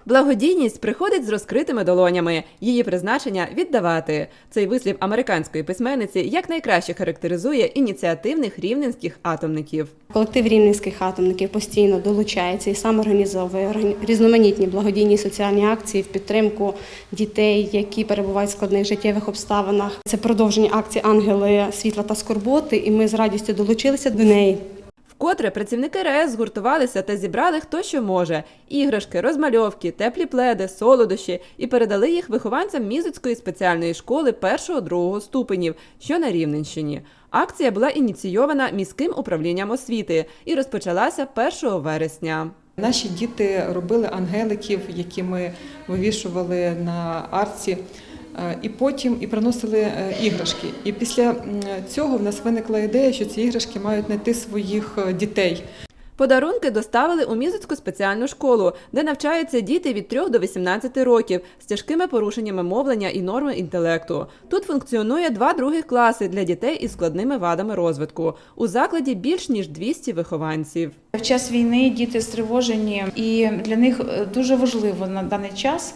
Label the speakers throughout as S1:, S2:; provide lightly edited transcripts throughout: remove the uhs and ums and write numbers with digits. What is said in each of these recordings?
S1: Благодійність приходить з розкритими долонями. Її призначення – віддавати. Цей вислів американської письменниці якнайкраще характеризує ініціативних рівненських атомників.
S2: Колектив рівненських атомників постійно долучається і сам організовує різноманітні благодійні соціальні акції в підтримку дітей, які перебувають в складних життєвих обставинах. Це продовження акції «Ангели світла та скорботи», і ми з радістю долучилися до неї.
S1: Вкотре працівники РАЕС згуртувалися та зібрали хто що може – іграшки, розмальовки, теплі пледи, солодощі і передали їх вихованцям Мізоцької спеціальної школи 1-2 ступенів, що на Рівненщині. Акція була ініційована міським управлінням освіти і розпочалася 1 вересня.
S3: Наші діти робили ангеликів, які ми вивішували на арці, і потім приносили іграшки. І після цього в нас виникла ідея, що ці іграшки мають знайти своїх дітей.
S1: Подарунки доставили у Мізоцьку спеціальну школу, де навчаються діти від 3 до 18 років з тяжкими порушеннями мовлення і норми інтелекту. Тут функціонує 2 других класи для дітей із складними вадами розвитку. У закладі більш ніж 200 вихованців.
S4: В час війни діти стривожені, і для них дуже важливо на даний час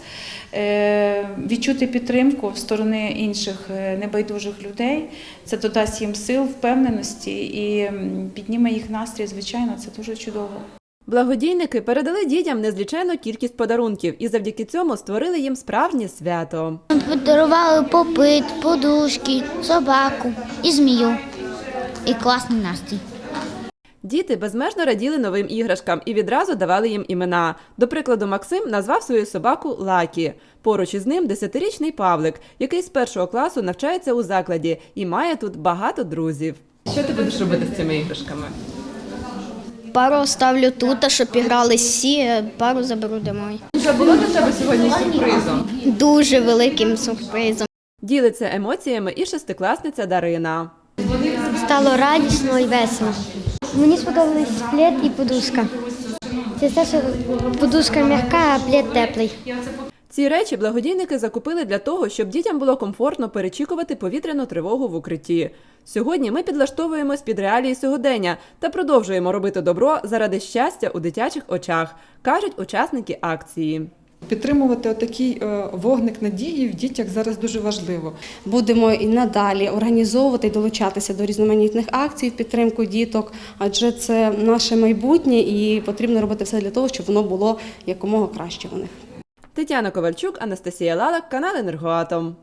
S4: відчути підтримку в сторони інших небайдужих людей. Це додасть їм сил, впевненості і підніме їх настрій. Звичайно, це дуже чудово.
S1: Благодійники передали дітям незліченну кількість подарунків і завдяки цьому створили їм справжнє свято.
S5: Подарували попит, подушки, собаку і змію. І класний настрій.
S1: Діти безмежно раділи новим іграшкам і відразу давали їм імена. До прикладу, Максим назвав свою собаку Лакі. Поруч із ним 10-річний Павлик, який з 1 класу навчається у закладі і має тут багато друзів. Що ти будеш робити з цими іграшками?
S5: Пару ставлю тут, щоб грали всі, пару заберу домой.
S1: Що було для тебе сьогодні сюрпризом?
S5: Дуже великим сюрпризом.
S1: Ділиться емоціями і 6-класниця Дарина.
S6: Стало радісно і весело. Мені сподобались плед і подушка. Це те, що подушка м'яка, а плед теплий.
S1: Ці речі благодійники закупили для того, щоб дітям було комфортно перечікувати повітряну тривогу в укритті. Сьогодні ми підлаштовуємось під реалії сьогодення та продовжуємо робити добро заради щастя у дитячих очах, кажуть учасники акції.
S3: Підтримувати отакий вогник надії в дітях зараз дуже важливо.
S2: Будемо і надалі організовувати і долучатися до різноманітних акцій в підтримку діток, адже це наше майбутнє і потрібно робити все для того, щоб воно було якомога краще у них.
S1: Тетяна Ковальчук, Анастасія Лалак, канал «Енергоатом».